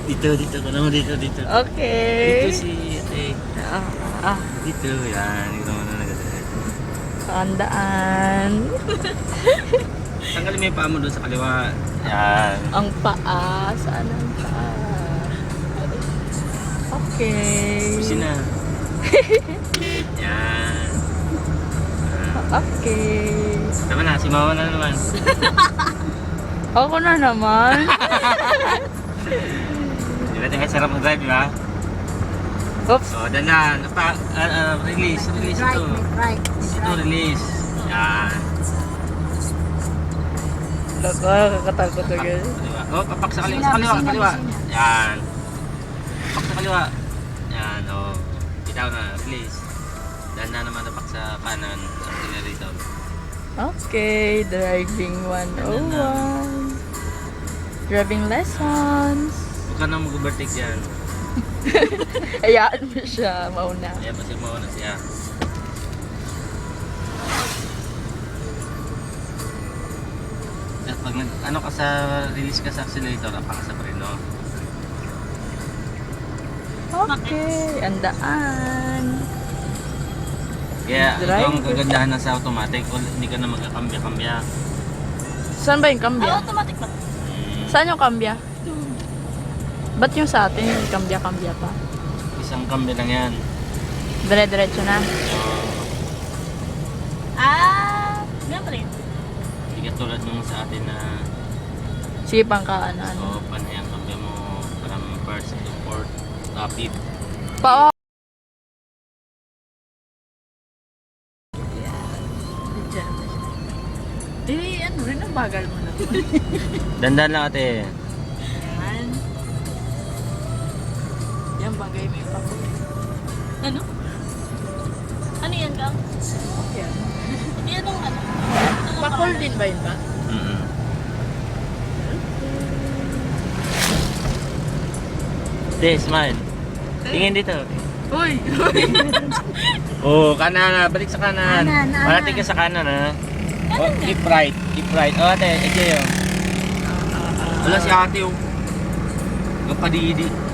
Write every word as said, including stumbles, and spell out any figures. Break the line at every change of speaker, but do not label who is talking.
Dito, dito. Kala mo dito, dito.
Okay.
Dito si ate.
Ah, ah,
Dito, yan. Dito mo na nagdadala.
tandaan.
Tanggalin mo yung paa mo doon sa kaliwa. Yan.
Ang paa. Saan ang paa? Okay.
Pusin na. Yan.
Okay.
Tama na, si mama na naman.
Ako na naman.
Di ba tingnan sarap mag-drive, di ba?
Oops.
So, danan. Pa, uh, uh, release, release ito.
Right,
Ito, release. Yan.
Lako, kakatakot
Papak,
agad.
kaliwa. Oh, papak sa kaliwa.
Sina,
Sa kaliwa,
sina,
kaliwa.
sina.
Yan. Papak sa kaliwa. Yan, oh. Bitaw na, release. Danan naman papak sa kanan. Sa accelerator.
Okay, driving one oh one. Driving lessons.
Huwag ka na mag-overtake yan.
Ayaan mo siya, mauna.
Ayan, kasi mauna siya. Pag nag, ano ka sa release ka sa accelerator, apa ka sa preno.
Okay, andaan.
Kaya ito ang
Drive.
kagandahan na sa automatic, kung hindi ka na magkakambya-kambya.
Saan ba yung kambya?
Ah, automatic ba?
Hmm,
Saan yung kambya? Ba't yung sa atin yung kambya-kambya pa?
isang kambya lang yan.
Dire-diretso na.
So,
Ah, ganun pa rin.
hindi ka tulad nung sa atin na
Sige pang ka, ano, ano.
so, paano yung kambya mo from first to fourth, rapid.
Pa, eh, ano rin ang bagal mo na.
Dandan lang ate.
Yan. Yan, bagay mo yung pakul.
Ano? Ano yan, Kang?
Okay.
Yan ang ano?
Pakul din ba yun ba?
Mm-mm. Ate, smile. Tingin dito.
Uy!
Oh, kanan na. Balik sa kanan.
Kanan, kanan.
Parating ka sa kanan, ha? Oh, keep right. Keep right. Oh, ate, ito yun. Wala si ate, oh. Kapadidi.